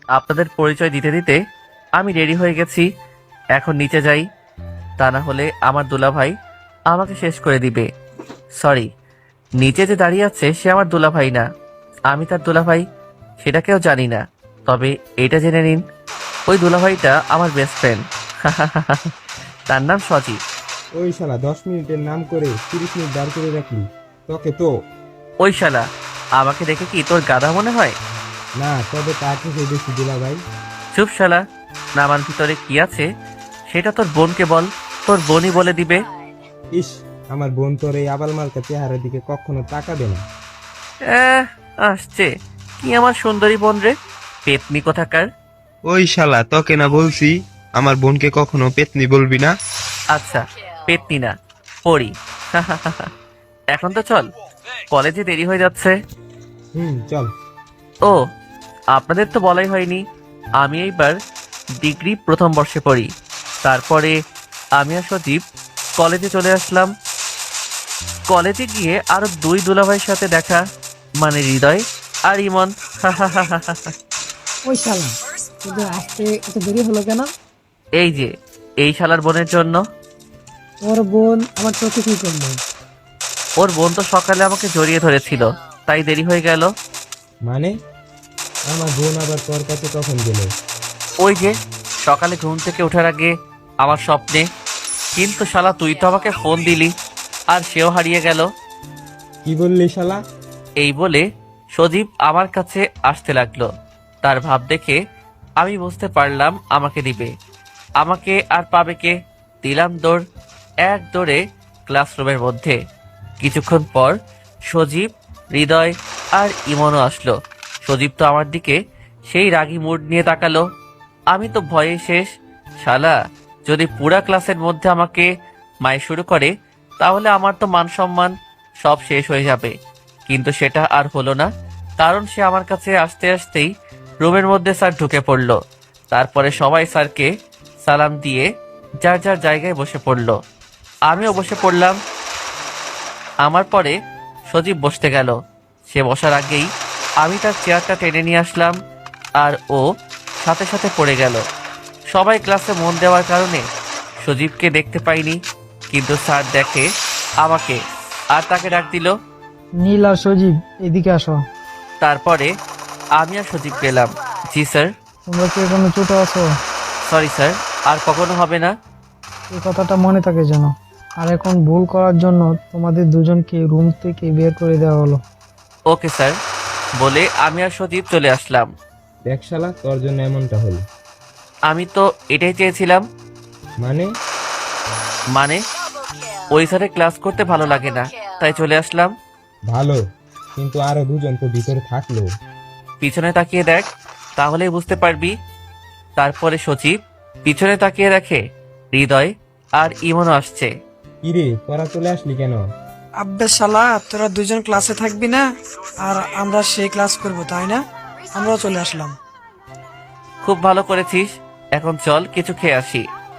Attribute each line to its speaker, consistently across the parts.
Speaker 1: আপনাদের পরিচয় দিতে দিতে আমি রেডি হয়ে গেছি। এখন নিচে যাই, তা না হলে আমার দুলাভাই আমাকে শেষ করে দিবে। সরি, নিচে যে দাঁড়িয়ে আছে সে আমার দুলাভাই না, আমি তার দুলাভাই সেটা কেউ জানি না। তবে এটা জেনে নিন, ওই দুলাভাইটা আমার বেস্ট ফ্রেন্ড। তার নাম সজীব।
Speaker 2: ওই শালা 10 মিনিটের নাম করে 30 মিনিট দাঁড় করে রাখলি। তোকে তো
Speaker 1: ওই শালা, আমাকে দেখে কি তোর গাধা মনে হয়?
Speaker 2: না, তবে তা থেকে বেশি দিলা ভাই।
Speaker 1: চুপ শালা, নামার ভিতরে কি আছে সেটা তোর বোনকে বল, তোর বোনই বলে দিবে।
Speaker 2: ইস, আমার বোন তোর এই আবাল মার্কা চেহারার দিকে কখনো তাকাবে না।
Speaker 1: আহ, আসছে কি আমার সুন্দরী বোন রে, পেতনি কোথাকার।
Speaker 2: ওই শালা, তোকে না বলছি আমার বোনকে কখনো পেতনি বলবি না।
Speaker 1: আচ্ছা, পেতনি না, পড়ি। এখন তো চল, কলেজে দেরি হয়ে যাচ্ছে।
Speaker 2: চল।
Speaker 1: ও, আপনাদের তো বলাই হয়নি, আমি এইবার ডিগ্রি প্রথম বর্ষে পড়ি। তারপরে আমি আর সজীব কলেজে চলে আসলাম। কলেজে গিয়ে আরো দুই দুলাভাইয়ের সাথে দেখা, মানে হৃদয় আর ইমন।
Speaker 3: ওই শালা, তোদের আসতে এত দেরি হলো কেন?
Speaker 1: এই যে, এই শালার বোনের জন্য।
Speaker 3: তোর বোন আমার চোখে কি করলো?
Speaker 1: ওর বোন তো সকালে আমাকে জড়িয়ে ধরেছিল, তাই দেরি হয়ে গেল।
Speaker 2: মানে আমার বোন আবার তোর কাছে কখন গেল?
Speaker 1: ওই যে সকালে ঘুম থেকে ওঠার আগে আমার স্বপ্নে। কিন্তু শালা তুই তো আমাকে ফোন দিলি, আর সেও হারিয়ে গেল।
Speaker 2: কি বললি শালা?
Speaker 1: এই বলে সজীব আমার কাছে আসতে লাগলো। তার ভাব দেখে আমি বুঝতে পারলাম আমাকে দিবে। আমাকে আর পাবে কে? দিলাম দৌড়, এক দৌড়ে ক্লাসরুমের মধ্যে। কিছুক্ষণ পর সজীব, হৃদয় আর ইমনও আসলো। সজীব তো আমার দিকে সেই রাগী মুড নিয়ে তাকালো। আমি তো ভয়ে শেষ। শালা যদি পুরা ক্লাসের মধ্যে আমাকে মাই শুরু করে, তাহলে আমার তো মান সম্মান সব শেষ হয়ে যাবে। কিন্তু সেটা আর হলো না, কারণ সে আমার কাছে আসতে আসতেই রুমের মধ্যে স্যার ঢুকে পড়ল। তারপরে সবাই স্যারকে সালাম দিয়ে যার যার জায়গায় বসে পড়ল। আমিও বসে পড়লাম। আমার পরে সজীব বসতে গেল। সে বসার আগেই আমি তার চেয়ারটা টেনে নিয়ে আসলাম, আর ও সাথে সাথে পড়ে গেল। সবাই ক্লাসে মন দেওয়ার কারণে সজীবকে দেখতে পাইনি, কিন্তু স্যার দেখে আমাকে আর তাকে ডাক দিল।
Speaker 3: নীল আর সজীব, এদিকে আসো।
Speaker 1: তারপরে আমি আর সজীব পেলাম। জি স্যার।
Speaker 3: তোমরা কি এখনো ছোট আছো?
Speaker 1: সরি স্যার, আর কখনো হবে না।
Speaker 3: এই কথাটা মনে থাকে যেন। আর এখন ভুল করার জন্য তোমাদের দুজনকে রুম থেকে বের করে দেওয়া হলো।
Speaker 1: ওকে স্যার, বলে আমি আর সজীব চলে আসলাম।
Speaker 2: দেখ শালা, তোর জন্য এমনটা হলো।
Speaker 1: আমি তো এটাই চেয়েছিলাম।
Speaker 2: মানে
Speaker 1: মানে ওই স্যারের ক্লাস করতে ভালো লাগে না, তাই চলে আসলাম।
Speaker 2: ভালো, কিন্তু আরো দুজন তো ভিতরে থাকলো।
Speaker 1: পিছনে তাকিয়ে দেখ, তাহলেই বুঝতে পারবি। তারপরে সজীব পিছনে তাকিয়ে দেখে হৃদয় আর ইমনও আসছে।
Speaker 2: কিরে, তোরা চলে আসলি কেন?
Speaker 4: আব্বে শালা, তোরা দুজন ক্লাসে থাকবি না আর আমরা সেই ক্লাস করব, তাই না? আমরাও চলে আসলাম।
Speaker 1: খুব ভালো করেছিস, এখন চল কিছু খেয়ে আসি।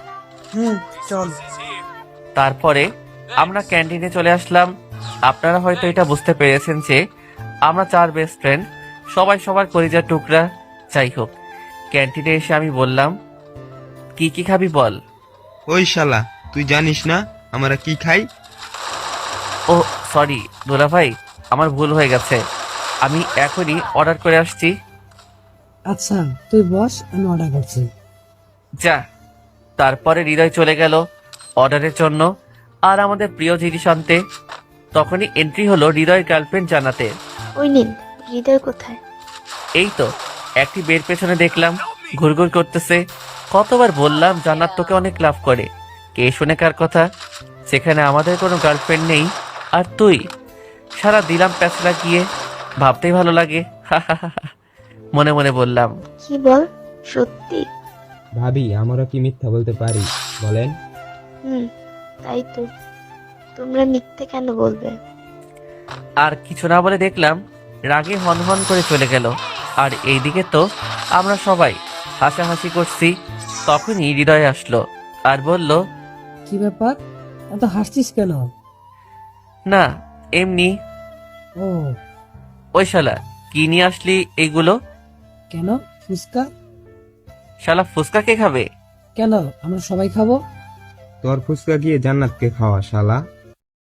Speaker 4: চল।
Speaker 1: তারপরে আমরা ক্যান্টিনে চলে আসলাম। আপনারা হয়তো এটা বুঝতে পেরেছেন যে আমরা চার বেস্ট ফ্রেন্ড, সবাই সবার কলিজার টুকরা। যাই হোক, ক্যান্টিনে এসে আমি বললাম, কি কি খাবি বল।
Speaker 2: ওই শালা, তুই জানিস না আমরা কি খাই?
Speaker 1: ও সরি দুলা ভাই, আমার ভুল হয়ে গেছে, আমি এখনই অর্ডার করে আসছি।
Speaker 3: আচ্ছা, তুই বস, আমি অর্ডার করছি।
Speaker 1: যা। তারপরে হৃদয় চলে গেল অর্ডারের জন্য, আর আমাদের প্রিয় জিনিস আনতে। তখনই এন্ট্রি হলো হৃদয়ের গার্লফ্রেন্ড জানাতে।
Speaker 5: ওই নিন, হৃদয় কোথায়?
Speaker 1: এই তো একটি বের পেছনে দেখলাম ঘুরঘুর করতেছে। কতবার বললাম জান্নাত তোকে অনেক লাভ করে, কে শুনে কার কথা। সেখানে আমাদের কোনো গার্লফ্রেন্ড নেই, আর তুই। সারা দিলাম প্যাচ লাগিয়ে, ভাবতেই ভালো লাগে। মনে মনে বললাম।
Speaker 5: কি বল, সত্যি?
Speaker 2: ভাবি, আমরা কি মিথ্যা বলতে পারি বলেন?
Speaker 5: তাই তো, তোমরা মিথ্যে কেন বলবে?
Speaker 1: আর কিছু না বলে দেখলাম রাগে হনহন করে চলে গেল। আর এইদিকে তো আমরা সবাই হাসাহাসি করছি। তখনই হৃদয় আসলো আর বলল,
Speaker 3: কি ব্যাপার, এত হাসছিস কেন?
Speaker 1: না এমনি।
Speaker 3: ও,
Speaker 1: ওই শালা, কি নিয়ে আসলি এইগুলো?
Speaker 3: কেন?
Speaker 6: ফুচকা?
Speaker 1: শালা ফুচকা কে খাবে?
Speaker 6: কেন, আমরা সবাই খাবো।
Speaker 2: তোর ফুচকা গিয়ে জান্নাতকে খাওয়া শালা।